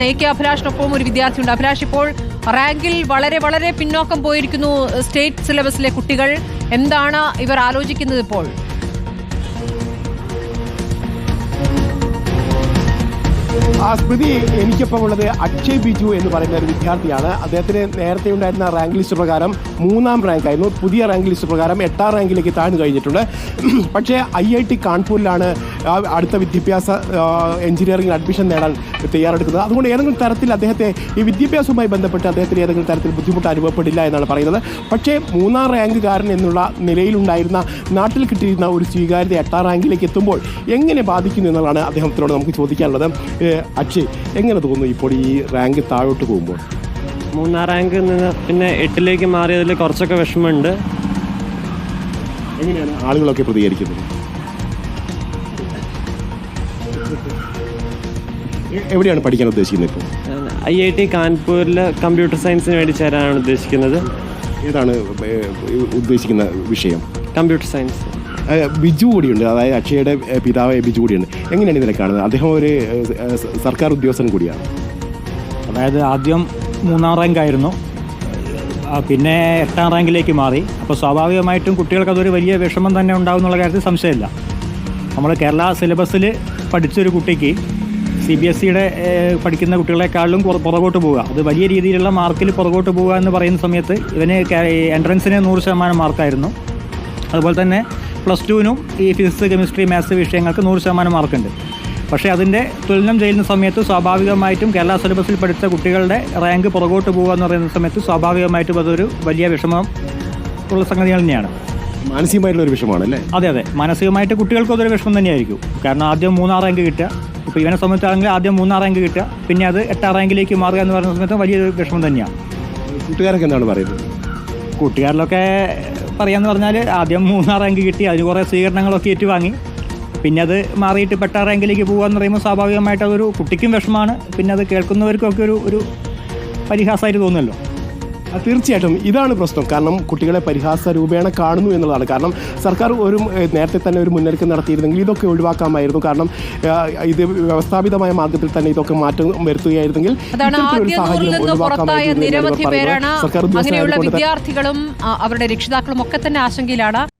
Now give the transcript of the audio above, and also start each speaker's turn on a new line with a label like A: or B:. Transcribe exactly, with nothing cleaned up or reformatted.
A: A K അഭിലാഷിനൊപ്പം ഒരു വിദ്യാർത്ഥിയുണ്ട്. അഭിലാഷ്, ഇപ്പോൾ റാങ്കിൽ വളരെ വളരെ പിന്നോക്കം പോയിരിക്കുന്നു സ്റ്റേറ്റ് സിലബസിലെ കുട്ടികൾ. എന്താണ് ഇവർ ആലോചിക്കുന്നത് ഇപ്പോൾ?
B: ആ സ്മൃതി, എനിക്കിപ്പം ഉള്ളത് അക്ഷയ് ബിജു എന്ന് പറയുന്ന ഒരു വിദ്യാർത്ഥിയാണ്. അദ്ദേഹത്തിന് നേരത്തെ ഉണ്ടായിരുന്ന റാങ്ക് ലിസ്റ്റ് പ്രകാരം മൂന്നാം റാങ്ക് ആയിരുന്നു. പുതിയ റാങ്ക് ലിസ്റ്റ് പ്രകാരം എട്ടാം റാങ്കിലേക്ക് താഴ്ന്നു കഴിഞ്ഞിട്ടുണ്ട്. പക്ഷേ ഐ ഐ ടി കാൺപൂരിലാണ് അടുത്ത വിദ്യാഭ്യാസ എഞ്ചിനീയറിംഗിൽ അഡ്മിഷൻ നേടാൻ തയ്യാറെടുക്കുന്നത്. അതുകൊണ്ട് ഏതെങ്കിലും തരത്തിൽ അദ്ദേഹത്തെ ഈ വിദ്യാഭ്യാസവുമായി ബന്ധപ്പെട്ട് അദ്ദേഹത്തിന് ഏതെങ്കിലും തരത്തിൽ ബുദ്ധിമുട്ട് അനുഭവപ്പെടില്ല എന്നാണ് പറയുന്നത്. പക്ഷേ മൂന്നാം റാങ്കുകാരൻ എന്നുള്ള നിലയിലുണ്ടായിരുന്ന നാട്ടിൽ കിട്ടിയിരുന്ന ഒരു സ്വീകാര്യത എട്ടാം റാങ്കിലേക്ക് എത്തുമ്പോൾ എങ്ങനെ ബാധിക്കുന്നു എന്നുള്ളതാണ് അദ്ദേഹത്തിനോട് നമുക്ക് ചോദിക്കാനുള്ളത്. അക്ഷയ്, എങ്ങനെ തോന്നുന്നു ഇപ്പോൾ ഈ റാങ്ക് താഴോട്ട് പോകുമ്പോൾ?
C: മൂന്നാം റാങ്കിൽ നിന്ന് പിന്നെ എട്ടിലേക്ക് മാറിയതിൽ കുറച്ചൊക്കെ വിഷമമുണ്ട്.
B: എങ്ങനെയാണ് ആളുകളൊക്കെ പ്രതികരിക്കുന്നത്? എവിടെയാണ് പഠിക്കാൻ ഉദ്ദേശിക്കുന്നത് ഇപ്പോൾ?
C: ഐ ഐ ടി കാൺപൂരിൽ കമ്പ്യൂട്ടർ സയൻസിന് വേണ്ടി ചേരാനാണ് ഉദ്ദേശിക്കുന്നത്.
B: ഏതാണ് ഉദ്ദേശിക്കുന്ന വിഷയം?
C: Computer science.
B: ബിജു കൂടിയുണ്ട്, അതായത് അക്ഷയുടെ പിതാവ് ബിജു കൂടിയുണ്ട്. എങ്ങനെയാണ് ഇതിനെ കാണുന്നത്? അദ്ദേഹം ഒരു സർക്കാർ ഉദ്യോഗസ്ഥൻ കൂടിയാണ്.
D: അതായത് ആദ്യം മൂന്നാം റാങ്ക് ആയിരുന്നു, പിന്നെ എട്ടാം റാങ്കിലേക്ക് മാറി. അപ്പോൾ സ്വാഭാവികമായിട്ടും കുട്ടികൾക്ക് അതൊരു വലിയ വിഷമം തന്നെ ഉണ്ടാകും എന്നുള്ള കാര്യത്തിൽ സംശയമില്ല. നമ്മൾ കേരള സിലബസിൽ പഠിച്ചൊരു കുട്ടിക്ക് സി ബി എസ് സിയുടെ പഠിക്കുന്ന കുട്ടികളെക്കാളും പുറകോട്ട് പോവുക, അത് വലിയ രീതിയിലുള്ള മാർക്കിൽ പുറകോട്ട് പോവുക എന്ന് പറയുന്ന സമയത്ത് ഇവന് എൻട്രൻസിന് നൂറ് ശതമാനം മാർക്കായിരുന്നു. അതുപോലെ തന്നെ പ്ലസ് ടുവിനും ഈ ഫിസിക്സ്, കെമിസ്ട്രി, മാത്സ് വിഷയങ്ങൾക്ക് നൂറ് ശതമാനം മാർക്കുണ്ട്. പക്ഷേ അതിൻ്റെ തുലനം ചെയ്യുന്ന സമയത്ത് സ്വാഭാവികമായിട്ടും കേരള സിലബസിൽ പഠിച്ച കുട്ടികളുടെ റാങ്ക് പുറകോട്ട് പോകുക എന്ന് പറയുന്ന സമയത്ത് സ്വാഭാവികമായിട്ടും അതൊരു വലിയ വിഷമം ഉള്ള സംഗതികൾ തന്നെയാണ്.
B: മാനസികമായിട്ടുള്ള ഒരു വിഷമമാണ് അല്ലേ?
D: അതെ അതെ, മാനസികമായിട്ട് കുട്ടികൾക്ക് അതൊരു വിഷമം തന്നെയായിരിക്കും. കാരണം ആദ്യം മൂന്നാം റാങ്ക് കിട്ടുക, ഇപ്പോൾ ഇവനെ സംബന്ധിച്ചാണെങ്കിൽ ആദ്യം മൂന്നാം റാങ്ക് കിട്ടുക, പിന്നെ അത് എട്ടാം റാങ്കിലേക്ക് മാറുക എന്ന് പറയുന്ന സമയത്ത് വലിയൊരു വിഷമം തന്നെയാണ്.
B: കൂട്ടുകാരൊക്കെ എന്താണ് പറയുന്നത്?
D: കൂട്ടുകാരിലൊക്കെ പറയാമെന്ന് പറഞ്ഞാൽ ആദ്യം മൂന്നാം റാങ്ക് കിട്ടി, അതിന് കുറേ സ്വീകരണങ്ങളൊക്കെ ഏറ്റുവാങ്ങി, പിന്നെ അത് മാറിയിട്ട് എട്ടാം റാങ്കിലേക്ക് പോകുക എന്ന് പറയുമ്പോൾ സ്വാഭാവികമായിട്ട് അതൊരു കുട്ടിക്കും വിഷമമാണ്, പിന്നെ അത് കേൾക്കുന്നവർക്കൊക്കെ ഒരു ഒരു പരിഹാസമായിട്ട് തോന്നുമല്ലോ.
B: തീർച്ചയായിട്ടും ഇതാണ് പ്രശ്നം. കാരണം കുട്ടികളെ പരിഹാസ രൂപേണ കാണുന്നു എന്നുള്ളതാണ്. കാരണം സർക്കാർ ഒരു നേരത്തെ തന്നെ ഒരു മുന്നൊരുക്കം നടത്തിയിരുന്നെങ്കിൽ ഇതൊക്കെ ഒഴിവാക്കാമായിരുന്നു. കാരണം ഇത് വ്യവസ്ഥാപിതമായ മാർഗത്തിൽ തന്നെ ഇതൊക്കെ മാറ്റം വരുത്തുകയായിരുന്നെങ്കിൽ
A: നിരവധി പേരാണ് അങ്ങനെയുള്ള വിദ്യാർത്ഥികളും അവരുടെ രക്ഷിതാക്കളും ഒക്കെ തന്നെ ആശങ്കയിലാണ്.